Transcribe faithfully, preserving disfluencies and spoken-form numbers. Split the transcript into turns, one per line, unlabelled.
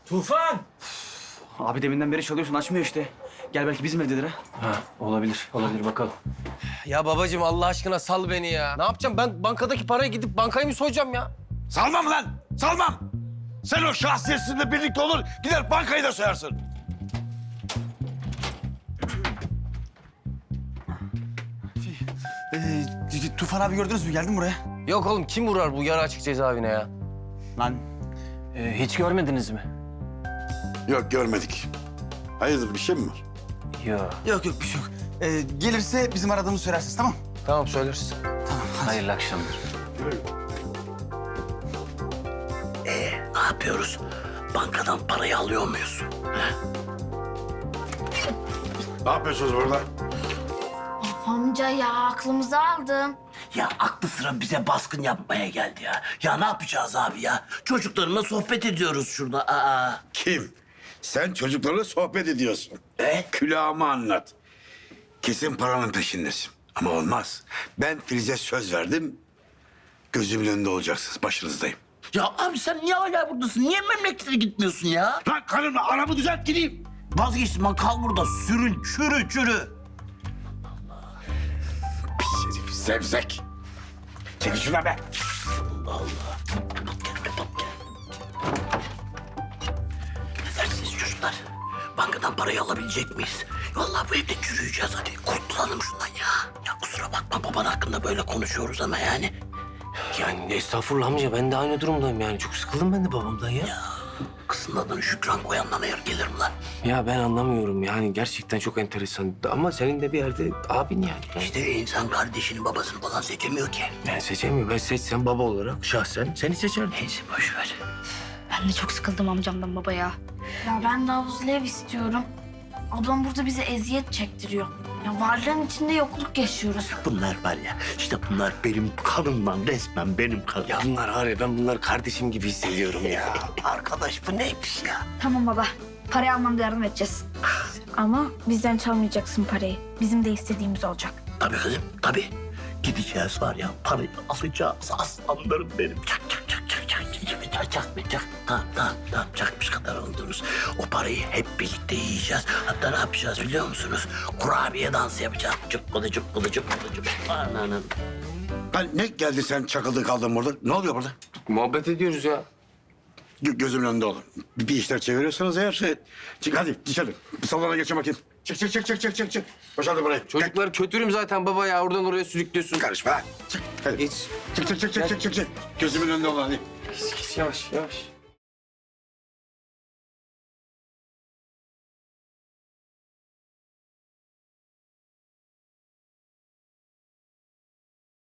Tufan!
Abi deminden beri çalıyorsun açmıyor işte. Gel belki bizim evdedir ha.
Ha, olabilir, olabilir bakalım.
Ya babacığım Allah aşkına sal beni ya. Ne yapacağım ben bankadaki parayı gidip bankayı mı soyacağım ya?
Salmam lan, salmam. Sen o şahsiyetinle birlikte olur, gider bankayı da soyarsın.
Ee, Tufan abi gördünüz mü? Geldim buraya.
Yok oğlum kim vurar bu yarı açık cezaevine ya?
Lan
Ee, hiç görmediniz mi?
Yok, görmedik. Hayırdır, bir şey mi var?
Yok.
yok yok bir şey yok. Ee, gelirse bizim aradığımızı söylersiniz tamam?
Tamam söyleriz.
Tamam hadi.
Hayırlı akşamlar.
Ne yapıyoruz? Bankadan parayı alıyor muyuz?
Ne yapıyorsunuz burada?
Of amca ya aklımızı aldın.
Ya aklı sıra bize baskın yapmaya geldi ya. Ya ne yapacağız abi ya? Çocuklarımla sohbet ediyoruz şurada. Aa.
Kim? Sen çocuklarla sohbet ediyorsun.
Evet.
Külahımı anlat. Kesin paranın peşindesin. Ama olmaz. Ben Filiz'e söz verdim. Gözümün önünde olacaksınız, başınızdayım.
Ya abi sen niye hala buradasın? Niye memlekete gitmiyorsun ya?
Lan karımla aramı düzelt gideyim.
Vazgeçtim lan kal burada. Sürün, çürü, çürü.
Pis herif, zevzek. Çekil şuna be.
Allah Allah. Kapat gel, kapat gel. Ne dersiniz çocuklar? Bankadan parayı alabilecek miyiz? Vallahi bu evde çürüyeceğiz hadi. Kurtulalım şundan ya. Ya kusura bakma baban hakkında böyle konuşuyoruz ama yani.
Yani estağfurullah amca ben de aynı durumdayım yani. Çok sıkıldım ben de babamdan ya.
Ya kızın adını Şükran koyandan hayır gelir mi lan?
Ya ben anlamıyorum yani gerçekten çok enteresan. Ama senin de bir yerde abin yani.
İşte insan kardeşini babasını falan seçemiyor ki.
Ben seçemiyorum. Ben seçsem baba olarak şahsen seni seçerdim.
Neyse boş ver.
Ben de çok sıkıldım amcamdan baba ya. Ya ben de havuzlu ev istiyorum. Ablam burada bize eziyet çektiriyor. Ya varlığın içinde yokluk yaşıyoruz.
Bunlar var ya işte bunlar benim kanımdan resmen benim kanım.
Ya bunlar var ya ben bunları kardeşim gibi hissediyorum ya.
Arkadaş bu neymiş ya?
Tamam baba. Parayı almamda yardım edeceğiz. Ama bizden çalmayacaksın parayı. Bizim de istediğimiz olacak.
Tabii kızım tabii. Gideceğiz var ya parayı alacağız aslanlarım benim. Çak çak çak çak çak çak çak çak çak çak. Tamam tamam tamam çakmış kadar oldunuz. O parayı hep birlikte yiyeceğiz. Hatta ne yapacağız biliyor musunuz? Kurabiye dansı yapacağız. Cıppıdı cıppıdı cıppıdı cıppıdı. Ananın.
Lan ne geldi sen çakıldın kaldın burada? Ne oluyor burada?
Muhabbet ediyoruz ya.
Gö- gözümün önünde olun. Bir, bir işler çeviriyorsanız eğer şey... Çık hadi dışarı. Bir salona geçin bakayım. Çık çık çık çık çık çık çık. Boşaldı burayı.
Çocuklar kötürüm zaten baba ya. Oradan oraya sürüklüyorsun.
Karışma lan. Çık hadi.
Geç.
Çık çık çık çık çık çık çık. Gözümün önünde olun hadi.
Geç, geç, yavaş yavaş.